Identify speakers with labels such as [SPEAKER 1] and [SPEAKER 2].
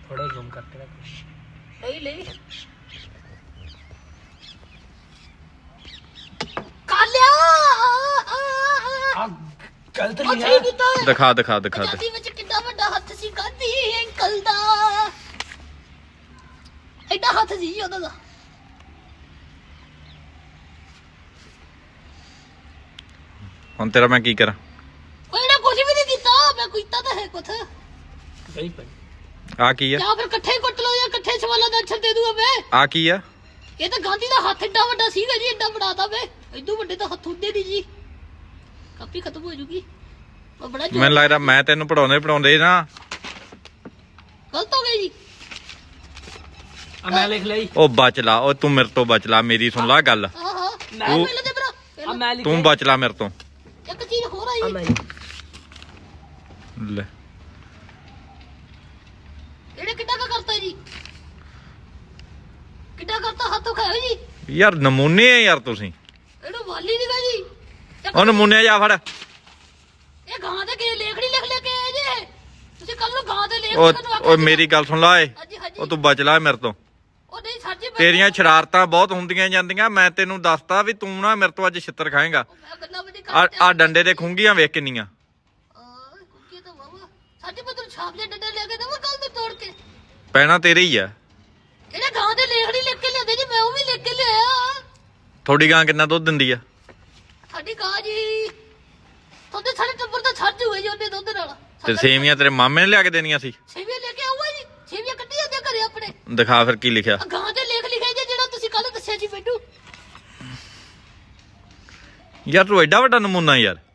[SPEAKER 1] थोड़ा जूम करके रखो। ले ले कालिया गलत लिया
[SPEAKER 2] दिखा दिखा दिखा
[SPEAKER 3] गादी ਵਿੱਚ ਕਿੰਨਾ ਵੱਡਾ ਹੱਥ ਸੀ ਗਾਦੀ ਅੰਕਲ ਦਾ ਐਡਾ ਹੱਥ ਸੀ ਉਹਦਾ ਦਾ
[SPEAKER 2] ਹੁਣ ਤੇਰਾ ਮੈਂ ਕੀ ਕਰਾਂ
[SPEAKER 3] ਉਹਨੇ ਕੁਝ ਵੀ ਨਹੀਂ ਦਿੱਤਾ ਮੈਂ ਕੀਤਾ ਤਾਂ ਹੈ ਕੁਛ
[SPEAKER 1] गई पर
[SPEAKER 2] ਆ ਕੀ ਆ
[SPEAKER 3] ਜਾਂ ਫਿਰ ਇਕੱਠੇ ਹੀ ਕੁੱਟ ਲਓ ਜਾਂ ਇਕੱਠੇ ਸਵਾਲਾਂ ਦਾ ਅੱਛਾ ਦੇ ਦੂਗਾ ਮੈਂ
[SPEAKER 2] ਆ ਕੀ ਆ
[SPEAKER 3] ਇਹ ਤਾਂ ਗਾਂਧੀ ਦਾ ਹੱਥ ਏਡਾ ਵੱਡਾ ਸੀਗਾ ਜੀ ਏਡਾ ਬਣਾਤਾ ਵੇ ਇਦੋਂ ਵੱਡੇ ਤਾਂ ਹੱਥ ਹੁੰਦੇ ਨਹੀਂ ਜੀ ਕਾਪੀ ਖਤਮ ਹੋ ਜੂਗੀ ਉਹ ਬੜਾ
[SPEAKER 2] ਮੈਨੂੰ ਲੱਗਦਾ ਮੈਂ ਤੈਨੂੰ ਪੜਾਉਂਦੇ ਨਾ
[SPEAKER 3] ਗਲਤ ਹੋ ਗਈ ਜੀ
[SPEAKER 1] अब मैं लिख ली
[SPEAKER 2] ਉਹ ਬਚ ਲਾ ਉਹ ਤੂੰ ਮੇਰੇ ਤੋਂ ਬਚ ਲਾ ਮੇਰੀ ਸੁਣ ਲਾ ਗੱਲ
[SPEAKER 3] ਹਾਂ ਹਾਂ ਮੈਂ
[SPEAKER 2] ਤੂੰ-
[SPEAKER 3] ਪਹਿਲੇ ਦੇ ਭਰਾ
[SPEAKER 1] अब मैं लिख
[SPEAKER 2] ਤੂੰ ਬਚ ਲਾ ਮੇਰੇ ਤੋਂ
[SPEAKER 3] ਇੱਕ ਚੀਜ਼ ਹੋਰ ਆਈ
[SPEAKER 1] अब मैं
[SPEAKER 2] ਲੈ
[SPEAKER 3] ਇਹਨੇ ਕਿੱਡਾ ਕਾ ਕਰਤਾ ਜੀ ਕਿੱਡਾ ਕਰਤਾ ਹੱਥੋਂ ਖਾਓ ਜੀ
[SPEAKER 2] ਯਾਰ ਨਮੂਨੇ ਆ ਯਾਰ ਤੁਸੀਂ
[SPEAKER 3] ਇਹਨੂੰ ਵਾਲੀ ਨਹੀਂ ਗਾ ਜੀ
[SPEAKER 2] ਉਹ ਨਮੂਨੇ ਜਾ ਫੜ
[SPEAKER 3] ਇਹ ਗਾਂ ਦੇ ਕੇ ਲੇਖੜੀ ਲਿਖ ਲੈ ਕੇ ਆਏ ਜੇ ਤੁਸੀਂ ਕੱਲ ਨੂੰ ਗਾਂ ਦੇ ਲੇਖ
[SPEAKER 2] ਉਹ ਮੇਰੀ ਗੱਲ ਸੁਣ ਲਾ ਏ
[SPEAKER 3] ਹਾਂਜੀ ਹਾਂਜੀ
[SPEAKER 2] ਉਹ ਤੂੰ ਬਚ ਲਾ ਮੇਰੇ ਤੋਂ
[SPEAKER 3] ਉਹ ਨਹੀਂ ਸਰ ਜੀ
[SPEAKER 2] ਤੇਰੀਆਂ ਸ਼ਰਾਰਤਾਂ ਬਹੁਤ ਹੁੰਦੀਆਂ ਜਾਂਦੀਆਂ ਮੈਂ ਤੈਨੂੰ ਦੱਸਤਾ ਵੀ ਤੂੰ ਨਾ ਮੇਰੇ ਤੋਂ ਅੱਜ ਛਿੱਤਰ ਖਾਏਗਾ
[SPEAKER 3] ਮੈਂ ਗੱਲਾਂ ਵੀ ਨਹੀਂ
[SPEAKER 2] ਆ ਡੰਡੇ ਦੇ ਖੁੰਗੀਆਂ ਵੇਖ ਕਿੰਨੀਆਂ
[SPEAKER 3] ਕੁੱਕੀ ਤਾਂ ਵਾਵਾ ਸਾਡੇ ਪੁੱਤਰ ਛਾਪ ਦੇ ਡੰਡੇ ਲੈ ਕੇ ਦਵਾ ਕੱਲ ਨੂੰ ਤੋੜ ਕੇ
[SPEAKER 2] ਪੈਣਾ ਤੇਰੇ ਹੀ ਆ
[SPEAKER 3] ਇਹਨੇ ਗਾਂ ਦੇ ਲੇਖੜੀ ਲਿਖ ਕੇ ਲਿਆਦੇ ਜੀ ਮੈਂ ਉਹ ਵੀ ਲਿਖ ਕੇ ਲਿਆਇਆ
[SPEAKER 2] ਥੋੜੀ ਗਾਂ ਕਿੰਨਾ ਦੁੱਧ ਦਿੰਦੀ ਆ
[SPEAKER 3] ਸਾਡੀ ਗਾਂ ਜੀ ਤੁਹਾਡੇ ਸਾਡੇ ਟੱਬਰ ਤਾਂ ਛੱਡ ਜੂਏ ਜੀ ਉਹਦੇ ਦੁੱਧ ਨਾਲ
[SPEAKER 2] ਤੇ ਸੇਵੀਆਂ ਤੇਰੇ ਮਾਮੇ ਨੇ ਲਿਆ ਕੇ ਦੇਣੀਆਂ ਸੀ
[SPEAKER 3] ਸੇਵੀਆਂ ਲੈ ਕੇ ਆਊਗਾ ਜੀ ਸੇਵੀਆਂ ਕੱਢੀ ਜਾਂਦੇ ਘਰੇ ਆਪਣੇ
[SPEAKER 2] ਦਿਖਾ ਫਿਰ ਕੀ ਲਿਖਿਆ
[SPEAKER 3] ਆਹ ਗਾਂ ਦੇ ਲੇਖ ਲਿਖਿਆ ਜੀ ਜਿਹੜਾ ਤੁਸੀਂ ਕੱਲ ਦੱਸਿਆ ਜੀ ਮੈਨੂੰ
[SPEAKER 2] ਯਾਰ ਤੂੰ ਐਡਾ ਵੱਡਾ ਨਮੂਨਾ ਯਾਰ